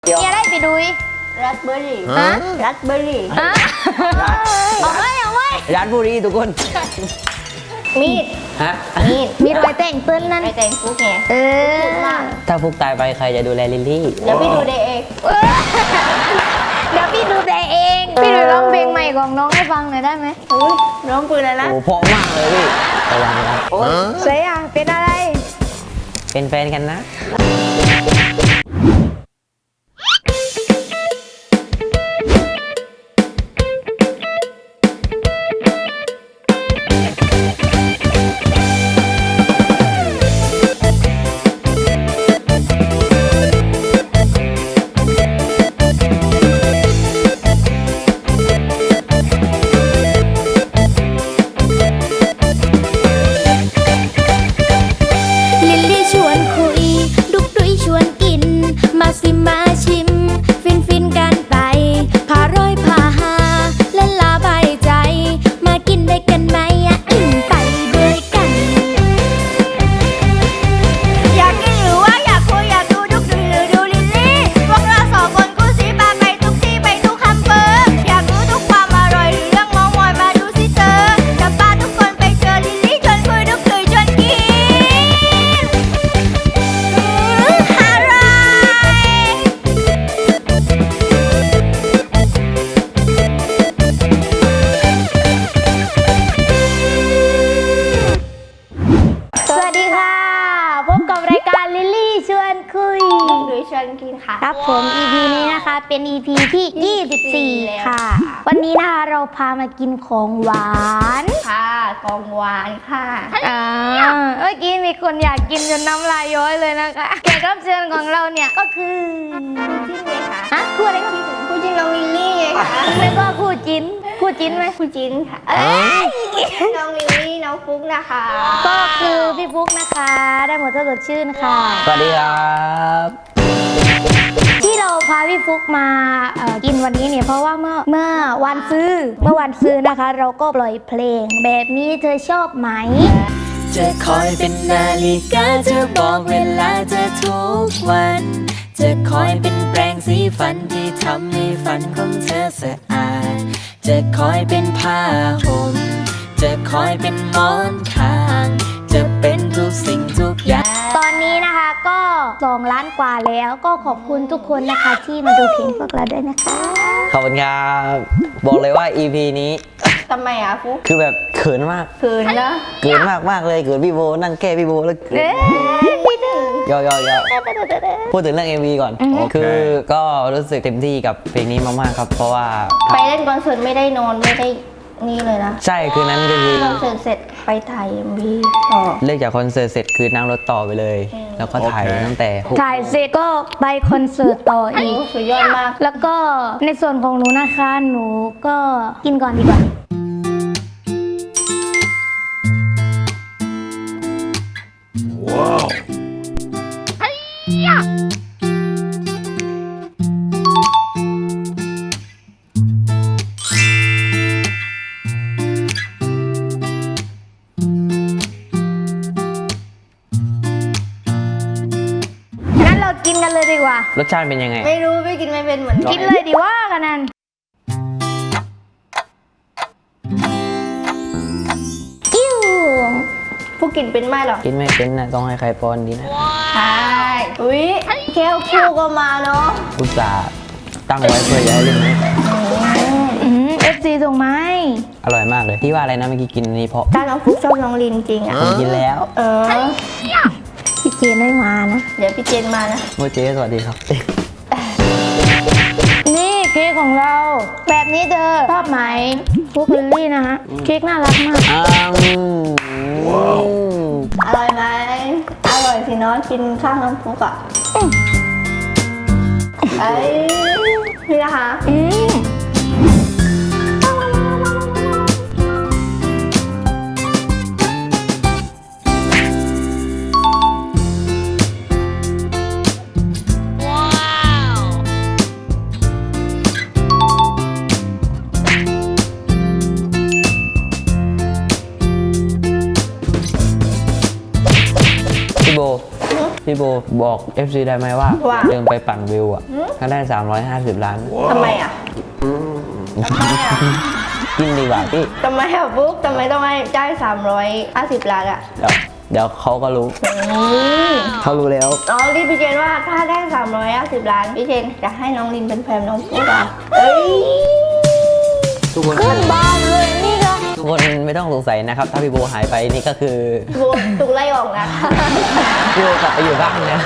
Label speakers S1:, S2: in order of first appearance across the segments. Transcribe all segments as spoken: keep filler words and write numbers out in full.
S1: เดี๋ยว
S2: มีอะไรไปดูรัสเบอร์รี่ฮะรัสเบอร์รี่ฮะเอาไว้เอาไว้
S1: ร้านบุรีทุกคน
S2: มีด
S1: ฮะ
S2: มีดมีดไว้แต่งปืนนั่นไว้แต่งฟุกไงเออ
S1: ถ้าฟุกตายไปใครจะดูแลลิลลี่
S2: เดี๋ยวพี่ดูเดย์เองเดี๋ยวพี่ดูเดย์เองพี่ดูร้องเพลงใหม่ของน้องให้ฟังหน่อยได้ไหมอุ้ยร้องปืนอะไรนะ
S1: โอ้เพราะมากเลยพี่ระวังนะ
S2: เสียอ่ะเป็นอะไร
S1: เป็นแฟนกันนะ
S3: สิมาชิมฟินฟินกันไปพาร้อยพาหาและลาบายใจมากินได้กันไหมอ่ะอิ่มไปด้วยกันอยากกินหรือว่าอยากคุยอยากดูดุกดุยหรือดูลิลลี่พวกเราสองคนกูซีปาไปทุกที่ไปทุกคำเปอร์อยากรู้ทุกความอร่อยหรือเรื่องมองมอยมาดูสิเธอจะพาทุกคนไปเจอลิลลี่ชวนคุยดุกดุยชวนกินหรือชวนกินค่ะครับผม อี พี นี้นะคะเป็น อี พี ที่ ยี่สิบสี่ ค่ะ วันนี้นะคะเราพามากินของหวานค่ะของหวานค่ะอ่าเมื่อกี้มีคนอยากกินจนน้ำลายย้อยเลยนะคะแขกรับเชิญของเราเนี่ยก็คือคู่จิ้นไงคะฮะคู่อะไรก็คู่จิ้นน้องลิลลี่ไงคะแล้วก็คู่จิ้นคู่จิ้นไหมคู่จิ้นค่ะน้องลิลลี่น้องฟุกนะคะก็คือพี่ฟุกนะคะได้หมดถ้าสดชื่นค่ะ
S1: สวัสดีครับ
S3: ที่เราพาพี่ฟุกมาเอ่อกินวันนี้เนี่ยเพราะว่าเมื่อเมื่อวันซื้อเมื่อวันซื้อนะคะ เราก็ปล่อยเพลงแบบนี้เธอชอบไหม
S4: จะคอยเป็นนาฬิกาจะบอกเวลาเธอทุกวันจะคอยเป็นแปรงสีฟันที่ทำให้ฟันของเธอสะอาดจะคอยเป็นผ้าห่มจะคอยเป็นหมอนข้างจะเป็นทุกสิ่งทุกอย่าง
S3: ตอนนี้นะคะก็สองล้านกว่าแล้วก็ขอบคุณทุกคนนะคะที่มาดูเพลงพวกเราด้วยนะคะ
S1: ขอบคุณครับบอกเลยว่า อี พี นี้
S2: ทำไมอ่ะฟุก
S1: คือแบบเขินมาก
S2: เขินนะ
S1: เขินมากมากเลยเขินพี่โบนั่งแก้พี่โบแล้วเขินยอยอยพูดถึงเรื่อง เอ็ม วี ก่อนคือก็รู้สึกเต็มที่กับเพลงนี้มากๆครับเพราะว่า
S2: ไปเล่นคอนเสิร์ตไม่ได้นอนไม่ได้นี่เลยนะ
S1: ใช่คือนั้นก็คือ
S2: คอนเสิร์ตเสร็จไปถ่าย เอ็ม วี ต่อ
S1: เลิกจากคอนเสิร์ตเสร็จคือนั่งรถต่อไปเลยแล้วก็ถ่ายตั้งแต่
S3: ถ่ายเสร็จก็ไปคอนเสิร์ตต่ออีก
S2: สุดยอดมาก
S3: แล้วก็ในส่วนของหนูนะคะหนูก็กินก่อนดีกว่าว้าวกินกันเลยดีกว่าร
S1: สชาติเป็นยังไง
S2: ไม่รู้ไม่กินไม่เป็นเหมือน
S3: กินเลยดีว่ากันนั่นกิ้ว
S2: ผู้กินเป็นไหมหรอ
S1: กินไม่เป็นนะต้องให้ใครป้อนดีนะ
S2: ใช่อุ้ยแก้วคู่ก็มาเนาะ
S1: อุตส่าห์ตั้งไว้เพื่อจะให้เล่นนี้
S3: เอฟซีส่งไหม
S1: อร่อยมากเลยพี่ว่าอะไรนะเมื่อกี้กินนี่เพราะ
S2: ถ้าน้องฟุกชอบน้องลินจริงอ่ะ
S1: ผมกินแล้ว
S2: เออ
S3: พี่เจนไม่มานะ
S2: เดี๋ยวพี่เจนมานะ
S1: โมเจสวัสดีครับ
S3: นี่เค้กของเราแบบนี้เธอชอบไหมฟุกลิลลี่นะฮะเค้กน่ารักมาก
S1: อ้าว
S2: อร่อยไหมอร่อยสิเนาะกินข้างน้ำฟุกอ่ะไอ้นี่นะคะอืม
S1: พี่โบ พี่พี่โบบอก เอฟ ซี ได้ไหมว่า
S2: ว่า
S1: เดินไปปั่นวิวอ่ะก็ได้สามร้อยห้าสิบล้าน
S2: ทำไมอ่ะทำไมอ่ะ
S1: กินดีกว่าพี่
S2: ทำไมอ่ะบุ๊กทำไมต้องให้จ่ายสามร้อยห้าสิบล้านอ่ะ
S1: เดี๋ยวเดี๋ยวเขาก็รู้ เขารู้แล้ว
S2: น้องลินพี่เจนว่าถ้าได้สามร้อยห้าสิบล้านพี่เจนจะให้น้องลินเป็นแฟนน้องปุ๊กอ่ะเอ้ย
S1: ทุกคน
S2: ขึ้นบ้านเลยนี่ก็
S1: ทุกคนไม่ต้องสงสัยนะครับ ถ้าพี่โบหายไปนี่ก็คือ
S2: บุ๊กถูกไล่ออกนะ
S1: พี่โบกลับไปอยู่บ้านแล้ว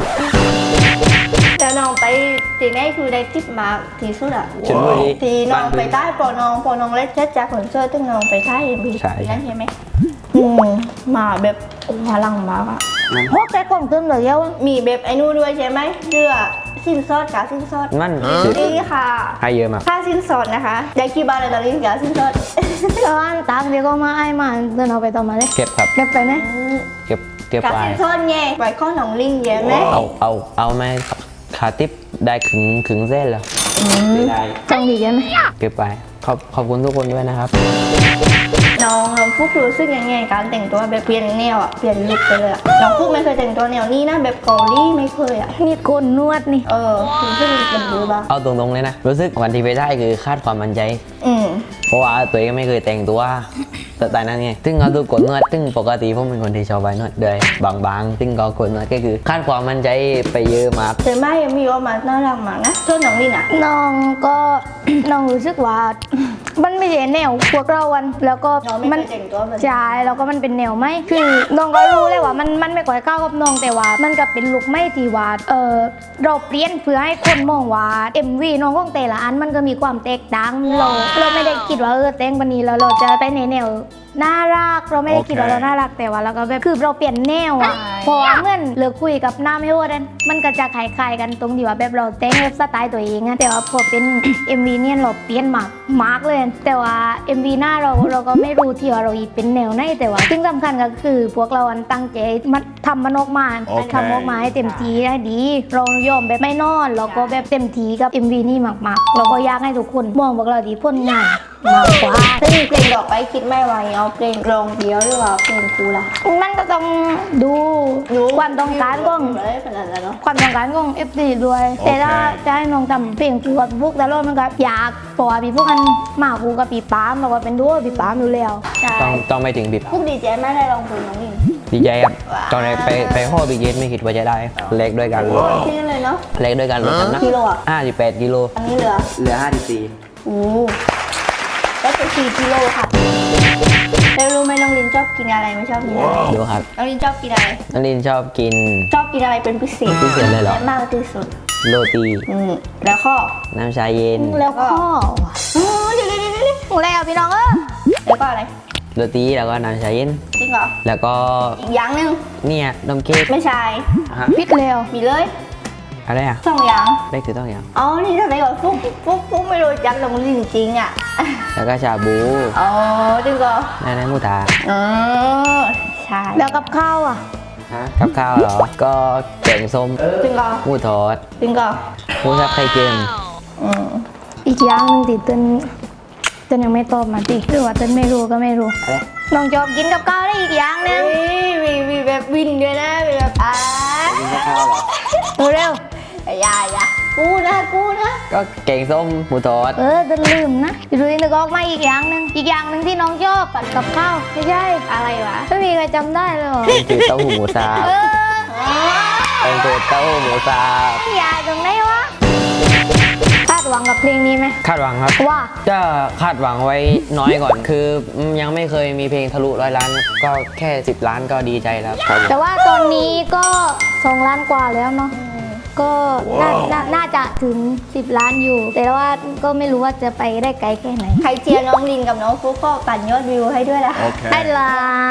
S2: แต่น้องไปทีนี้คือได้ทิปมาที่สุดอ่ะ
S1: ชลบุรี
S2: ทีน้องไปใต้ปอน้องปอน้องเล็กเช็ดจากขนเสื้อตึ้งน้องไปใต้เอ็มบี
S1: ใช่
S2: นั่นใช่ไหมอืมมาแบบโอ้พลังมากอ่ะ
S3: พวกแต่กล่องเติมเหลือเยอะ
S2: มีแบบไอ้นู่นด้วยใช่ไหมเสื้อสิ้นซอดกับสิ้นซอด
S1: มัน
S2: นี่ค่ะ
S1: ให้เยอะมาก
S2: ค่าสิ้นซอดนะคะได้กี่บาทเลยตอนนี้กับสิ้นซอด
S3: ตอนตังเดี๋ยวก็มาไอ้มาเดินเอาไปต่อมาเลย
S1: เก็บครับ
S3: เก็บไปไหม
S1: เก็บเก็บ
S2: กับ
S1: ไป
S2: สิ้นซอดไงไว้ข้อหนองลิงเยอะไหม
S1: เอาเอาเอาไหมขาติปได้ขึงขึงเส้นแล้วได้
S3: จังดีใช่ไหม
S1: เก็บไปขอบขอบคุณทุกคนด้วยนะครับ
S2: น้องน้องฟุกรู้สึกยังไงการแต่งตัวแบบเปลี่ยนแนวอ่ะเปลี่ยนลุคไปเลยอ่ะน้องฟุกไม่เคยแต่งตัวแนวนี้นะแบบเกาหลีไม่เคยอ่ะ
S3: นี่โกนนวดนี่
S2: เออรู้สึกเป็นดูบ้าง
S1: เอาตรงๆเลยนะ รู้สึกวันที่ไปได้คือคาดความมั่นใจ
S2: อืม
S1: เพราะว่าตัวเองไม่เคยแต่งตัวแต่แต่นั้นไงซึ่งเอาตัวกดนวดซึ่งปกติผมเป็นคนที่ชอบไปนวดด้วยบางๆซึ่งก็กดนวดก็คือคาดความมั่นใจไปเยอะมาก
S2: แต่ไม่ยังมีออกมาน่ารักมากนะส่วนน้องลินอ่ะ
S3: น้องก็ น้องรู้สึกว่า มันไม่ใช่แนวพวกเราวันแล้วก็
S2: น้องไม่
S3: มั
S2: เคยแต่งตัวแบบนี้
S3: ใช่แล้วก็มันเป็นแนวไหมคือน้องก็รู้เลยว่ามันมันไม่ก่อยก้าวกับน้องแต่ว่า มันก็เป็นลุคไม่ที่ว่าเออเราเปลี่ยนเพื่อให้คนมองว่า เอ็ม วี น้องของแต่ละอันมันก็มีความแตกต่างเราเราไม่ได้คิดว่าเออแต่งวันนี้แล้วเราจะไปในแนวน่ารักเราไม่ได้คิดว่าเราน่ารักแต่ว่าเราก็แบบคือเราเปลี่ยนแนวอะเพราะว่าเหมื่อนเลิกคุยกับน้ำให้โอดันมันก็จะคล้ายๆกันตรงที่ว่าแบบเราแต่งแบบสไตล์ตัวเองอะแต่ว่าพอเป็น เอ็ม วี เนี่ยเราเปลี่ยนมากมากเลย แต่ว่า เอ็ม วี หน้าเราเราก็ไม่รู้ที่ว่าเราอีเป็นแนวไหนแต่ว่าสิ่งสำคัญก็คือพวกเราอันตั้งใจมันทำมันออกมาทำออกมาให้เต็มที่ได้ดี เรายอมแบบไม่นอนเราก็แบบเต็มที่กับ เอ็ม วี นี่มากๆเราก็อยากให้ทุกคนมองพวกเราที่ผลงานมากกว่า
S2: ซึ่งเพลงต่อไปคิดไม่ไหวเอาเพลงร้องเดียวหรือว่าเพลงครูล่ะ
S3: มันก็ต้องดูความต้องการของ
S2: เลยขนาดนั้นเนาะ
S3: ความต้องการของ เอฟ ซี ด้วย แต่ถ้าจะให้น้องทำเพลงคู่กับพี่ฟุกแต่รอดมันก็อยากเพราะว่าพี่ฟุกมันมาคู่กับพี่ปามเราก็เป็นดูว่าพี่ปามอยู่แล้ว
S2: ใช่
S1: ต้องต้องไปถึงบิบ
S2: พวกดีเจไม่ได้ร้องเพลงน้องลิน
S1: ดีใจครับตอนแรกไปไปข้อบิเกตไม่คิดว่าจะได้ เล็กด้วยกันลด
S2: แค่นั้นเลยเนาะ
S1: เล็กด้วยกันลดน้ำหนัก
S2: กิโลอ่ะ
S1: ห้าสิบแปดกิโล
S2: อันนี้เหลือ
S1: เหลือห้าสิบสี่
S2: โอ้ได้ไปสี่กิโลค่ะแล้วรู้ไหมน้องลินชอบกินอะไรไม่ชอบกินอะไร
S1: ดูครับ
S2: น้องลินชอบกินอะไร
S1: นักเรียนชอบกิน
S2: ชอบกินอะไรเป็นพิเศษ
S1: พิเศษเลยเหรอ
S2: และมากที่สุด
S1: โรตี
S2: อืมแล้วข้อ
S1: น้ำชาเย็น
S3: แล้วก็
S2: อืมเดี๋ยวเดี๋ยวเดี๋ยวเดี๋ยว
S3: หมูแล้วพี่น้องเออ
S2: แล้วก็อะไร
S1: โรตีแล้วก็น้ำชาเย็น
S2: จริงเหรอ
S1: แล้วก็
S2: อีกอย่างหนึ่ง
S1: เนี่ยนมเค้ก
S2: ไม่ใช่
S1: ฮะ
S3: พิดแล้ว
S2: มีเลย
S1: อะไรอ่ะ
S2: สองอย่าง
S1: ได้คือต้องอย่าง
S2: อ๋อนี่ทำไมก่อนฟุกฟุกฟุกไม่รู้จักน้องลินจริงอ่ะ
S1: แล้วก็ชาบู
S2: อ๋อจริงเหรอ
S1: นั่นนั่นมูทา
S2: อ๋อใช่
S3: แล้วกับข้าวอ่ะ
S1: ฮะกับข้าวเหรอ ก็แกงส้ม
S2: จริงเหรอ
S1: หมูทอด
S2: จริงเหรอ
S1: หมูสับไข่เค็ม
S2: อืม
S3: อีกอย่างหนึงติเต้นเต้นยังไม่ตอบมาติหรือว่าเต้นไม่รู้ก็ไม่รู้
S1: อะไร
S3: น้องชอบกินกับข้าวได้อีกอย่างหนึง
S2: มีมีมีแบบวินด้วยนะมีแบบอ่า
S1: ข้าวเหรอ
S3: ดูเร็ว
S2: อย่าอย่ากูนะกูนะ
S1: ก็แกงส้มหมูทอด
S3: เออจะลืมนะพี่ดูนึกออกมาอีกอย่างหนึ่งอีกอย่างหนึ่งที่น้องชอบผัดกับข้าวไม่ใช่
S2: อะไรวะ
S3: ไม่มีใครจำได้เลยเหรอ
S1: เป็นคือเต้าหู้หมูสับ
S3: เออ
S1: เป็นคือเต้าหู้หมูสับ
S3: อย่าตรงไหนวะคาดหวังกับเพลงนี้ไหม
S1: คาดหวังครับ
S3: ว่า
S1: จะคาดหวังไว้น้อยก่อน คือยังไม่เคยมีเพลงทะลุร้อยล้าน ก็แค่สิบล้านก็ดีใจแล้วครับ
S3: แต่ว่าตอนนี้ก็สองล้านกว่าแล้วเนาะก็น่าน่าน่าจะถึงสิบล้านอยู่ แต่ว่าก็ไม่รู้ว่าจะไปได้ไกลแค่ไหน
S2: ใครเชียร์น้องลินกับน้องฟุกก็ปั่นยอดวิวให้ด้วยนะ
S3: ได้ละ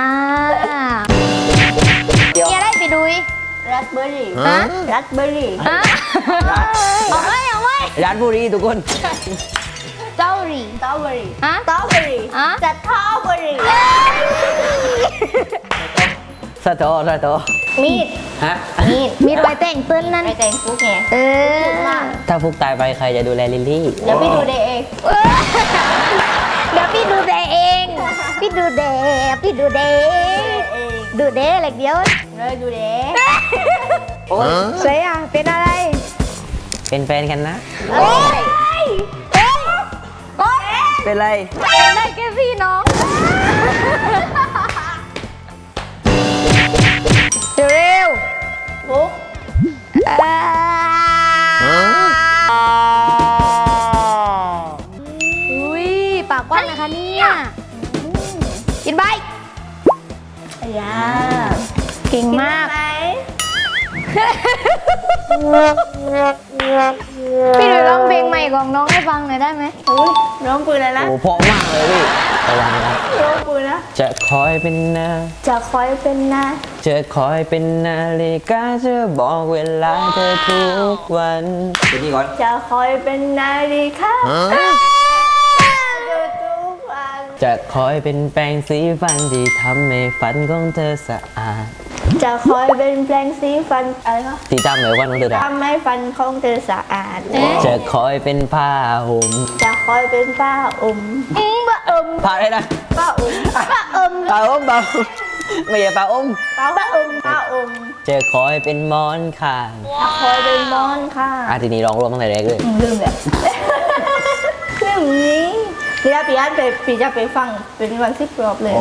S3: เนี่ยได้ไปดูอีก
S2: รัสเบอร์รี่
S3: ฮะ
S2: รัสเบอร์รี่
S3: ฮะเอาไว้เอาไว้
S1: ร้านบุรีทุกคน
S3: เจ้าหรี
S2: สตรอเบอร์รี่
S3: ฮะ
S2: สตรอเบอร์รี่
S3: ฮะ
S2: สตรอเบอร์รี่
S1: สะโตสะโต
S2: มีด
S1: ฮะ
S2: มีด
S3: มีไว้แต่งเต้นนั่น
S2: ไปแต่งฟุกไง
S3: เออ
S2: พูดมาก
S1: ถ้าฟุกตายไปใครจะดูแลลิลลี่
S2: เดี๋ยวพี่ดูเดย์เอง
S3: เออเดี๋ยวพี่ดูแดเอง พี่ดูแดพี่ดูแด
S2: เอง
S3: ดูแดเล็กเดียว
S2: เลยดูเดย์
S1: โอ๊ย
S3: เสียเป็นอะไร
S1: เป็นแฟนกันนะ
S3: โอ้ยเฮ้ยโอ้ย
S1: เป็นไร
S3: เป็นได้แค่พี่น้องเร็ว
S2: ฟุก
S3: ๆอ่าอุ้ยปากกว้างนะคะเนี่ยกินใบ
S2: อยา
S3: เก่งมาก
S2: ไหม
S3: พี่หนูร้องเพลงใหม่ของน้องให้ฟังหน่อยได้ไหม
S2: อุ้ยร้องปืนอะไรนะ
S1: โอ้เพราะมากเลยพี่ระวังนะ
S2: ร้องปืนนะ
S1: จะคอยเป็นนา
S2: จะคอยเป็นนะ
S1: จะคอยเป็นนาฬิกาจะบอกเวลาเธอทุกวันเป็นนี่ก่อน
S2: จะคอยเป็นนาฬิกาเธอทุกวัน
S1: จะคอยเป็นแปรงสีฟันที่ทำให้ฟันของเธอสะอาด
S2: จะคอยเป็นแปรงสีฟันอะไรคะ
S1: ที่ทำให้ฟันของเธอสะอาด
S2: ทำให้ฟันของเธอสะอาด
S1: จะคอยเป็นผ้าห่ม
S2: จะคอยเป็นป้าอม
S3: อืมบะเอิม
S1: ผ้าอะไรนะ
S2: ป้าอม
S3: บะเอิม
S1: ผ้าอ้มเปล่าไม่ใช่ผ้าอ้ม
S2: ป้าอมป้าอม
S1: จะคอยเป็นหมอนข้าง
S2: จะคอยเป็นมอนค่ะ
S1: อาทีนี้ร้องรวมตั้งแต่แรกเลย
S2: ลืมแบบลืมนี้เดี๋ยวพี่อันไปพี่จะไปฟังเป็นวันที่ปลอบเลย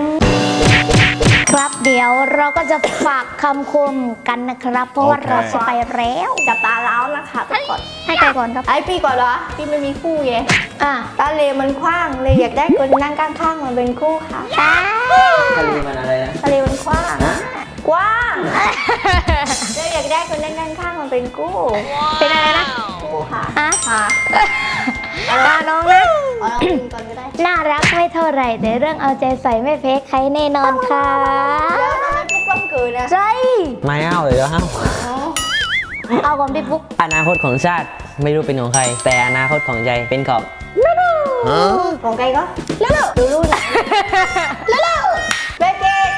S3: ครับเดี๋ยวเราก็จะฝากคำคมกันนะครับ เพราะว่าเราจะไปแล้ว
S2: จับตาแล้วนะคะทุกคน
S3: ให้ใครก่อนครับ
S2: ไอพี่ก่อนเหรอพี่ไม่มีคู่ไง
S3: อ่ะ
S2: ตาเลมันกว้างเลยอยากได้คนนั่งข้างๆมาเป็นคู่ค่ะ
S1: ทะเลมันอะไรนะ
S2: ตาเลมันกว้างกว้างเลยอยากได้คนนั่งข้างๆมาเป็นคู่
S3: เป็นอะไรนะ
S2: คู่ค่ะ
S3: อ่ะ
S2: ค่ะ
S3: ตาน้องนะ
S2: เอาลองกินก่อนก็ได้
S3: น่ารักไม่เท่าไหร่แต่เรื่องเอาใจใส่ไม่แพ้ใครแน่นอนค่ะ
S2: แล้วทำไมพวกกล้องเกินนะ
S3: ใช่
S1: ไม่เอาเลยแล้วเอ้า
S3: เอาก่อนพี่ปุ๊ก
S1: อนาคตของชาติไม่รู้เป็นของใคร แต่อนาคตของใจเป็นของ
S2: ของใครก็แล้วดูรุ่นแล้วเบเกต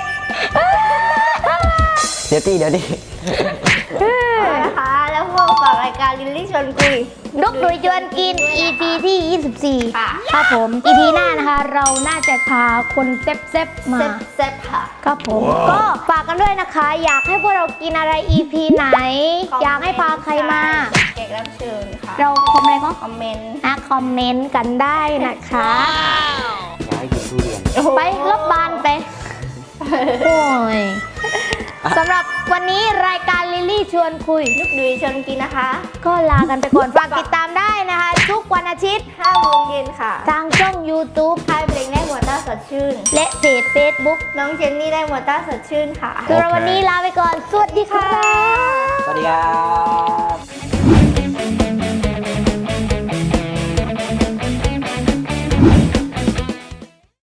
S1: เดี๋ยวตีเดี๋ยวตี
S2: นะคะแล้วพวกฝากรายการลิลลี่ชวนคุย
S3: ลุกดุยจวนกิน อี พี ที่ ยี่สิบสี่
S2: ค่ะ
S3: ครับผม อี พี หน้านะคะ เราน่าจะพาคนเซฟๆมา
S2: เซ็ตเซ็ตค่ะ
S3: ครับผม ก็ฝากกันด้วยนะคะ อยากให้พวกเรากินอะไร อี พี ไหน อยากให้พาใครมา
S2: แขกรับเชิญค่ะ
S3: เราคอมเมนต์
S2: คอมเมนต์
S3: อ่ะคอมเมนต์กันได้นะคะ
S1: อยากให้กินทุเรียน
S3: ไปรบบานไป โอ้ยสำหรับวันนี้รายการลิลลี่ชวนคุย
S2: นุกดุยชวนกินนะคะ
S3: ก็ลากันไปก่อน ฝากติดตามได้นะคะ ทุกวันอาทิตย์
S2: ห้าโมงเย็นค่ะ
S3: ทางช่อง YouTube
S2: ค่ายเพลงได้หมวดต้าสดชื่น
S3: และเพจ Facebook
S2: น้องเจนนี่ได้หมวดต้าสดชื่นค่ะ
S3: คือวันนี้ลาไปก่อน สวัสดีค่ะ
S1: สวัสดีครับ